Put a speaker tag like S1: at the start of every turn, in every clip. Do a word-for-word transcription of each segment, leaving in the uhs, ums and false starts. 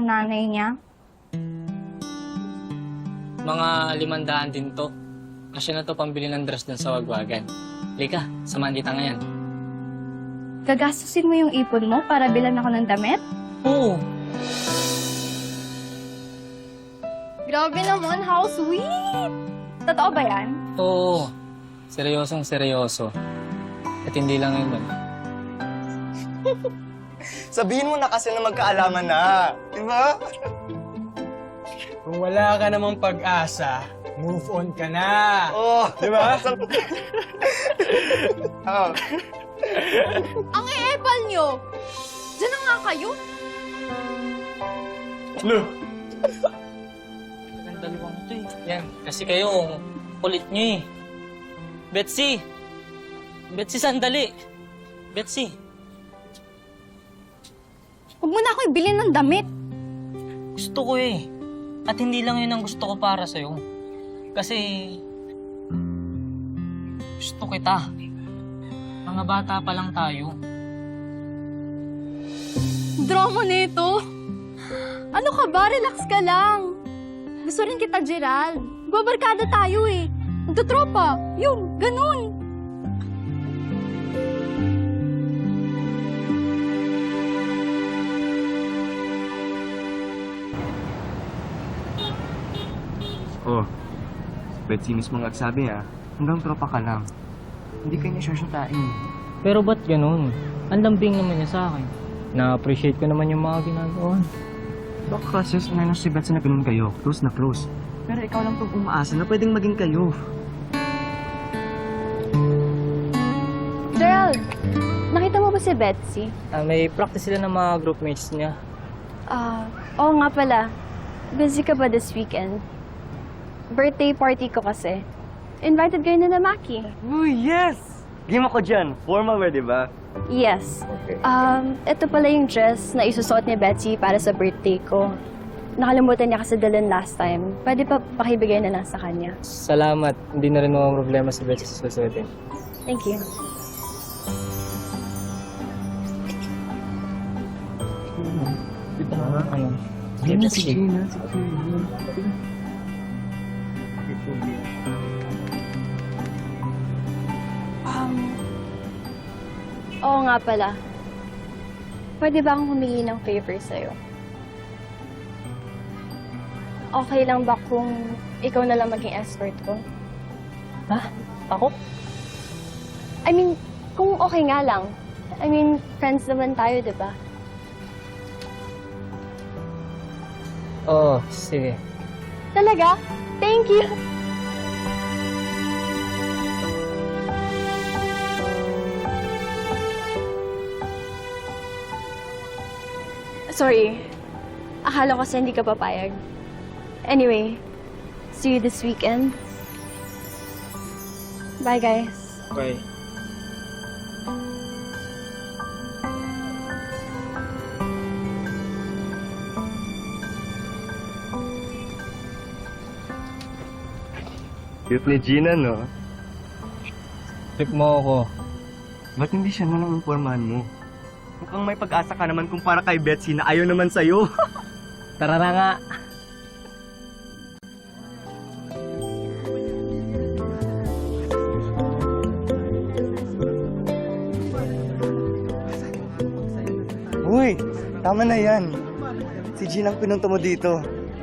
S1: nanay niya?
S2: Mga limandaan din to. Kasi na to pambili ng dress dun sa wagwagan. Lika, samahan kita ngayon.
S1: Gagastusin mo yung ipon mo para bilan ako ng damit?
S2: Oo.
S1: Grabe naman, how sweet! Totoo ba yan?
S2: Oo. Seryosong seryoso. At hindi lang yun.
S3: Sabihin mo na kasi na magkaalaman na. Diba?
S4: Kung wala ka namang pag-asa, move on ka na.
S3: Oh,
S4: Di ba?
S3: oh.
S1: Ang e-epal nyo! Diyan na nga kayo!
S4: Lo,
S2: Ang dalawang to eh. Yan, kasi kayo, ang kulit nyo eh. Betsy! Betsy, sandali! Betsy!
S1: Huwag mo na ako ibilin ng damit.
S2: Gusto ko eh. At hindi lang yun ang gusto ko para sa'yo. Kasi... gusto kita. Mga bata pa lang tayo.
S1: Drama nito. Ano ka ba? Relax ka lang. Gusto rin kita, Gerald. Babarkada tayo eh. Magtutropa. Yun, ganun.
S3: Oh, Betsy mismo nagsabi ah, hanggang tropa ka lang. Hindi ka niya syasyatain.
S2: Pero ba't ganun? Ang lambing naman niya sa akin. Na-appreciate ko naman yung mga ginagawa.
S3: Baka kasi sanay na si Betsy na ganun kayo, close na close. Pero ikaw lang itong umaasa na pwedeng maging kayo.
S1: Gerald, nakita mo ba si Betsy?
S2: Ah, may practice sila ng mga groupmates niya.
S1: Ah, oo nga pala. Busy ka ba this weekend? Birthday party ko kasi. Invited kayo na na Maki.
S3: Uy, yes! Game ako dyan. Formal wear, di ba?
S1: Yes. Um, ito pala yung dress na isusuot ni Betsy para sa birthday ko. Nakalimutan niya kasi dalhin last time. Pwede pa pakibigay na lang sa kanya.
S2: Salamat. Hindi na rin mga problema si Betsy sa susuotin.
S1: Thank you.
S2: Ano? Game na sige.
S1: Um, oo nga pala. Pwede ba akong humingi ng favor sa'yo? Okay lang ba kung ikaw na lang maging escort ko?
S2: Ha? Ako?
S1: I mean, kung okay nga lang. I mean, friends naman tayo, di ba?
S2: Oo, sige.
S1: Talaga? Thank you! Sorry. Akala ko kasi hindi ka papayag. Anyway, see you this weekend. Bye, guys.
S2: Okay.
S3: Cute ni Gina, no?
S2: Trip mo ako.
S3: Ba't hindi siya na lang impormahan mo? Mukhang may pag-asa ka naman kumpara kay Betsy na ayaw naman sa'yo.
S2: Tara na nga.
S3: Uy, tama na yan. Si Gina ang pinunta mo dito.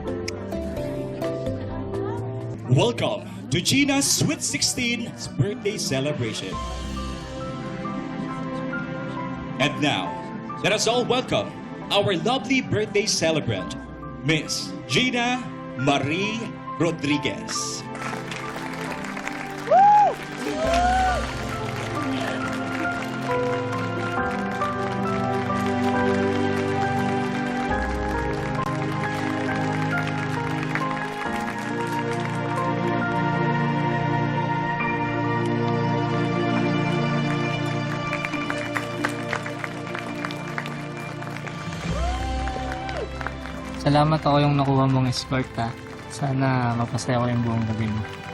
S5: Welcome to Gina's Sweet sixteen's birthday celebration. And now, let us all welcome our lovely birthday celebrant, Miss Gina Marie Rodriguez.
S2: Salamat ako yung nakuha mong escort ha. Sana mapasaya ko yung buong gabi mo.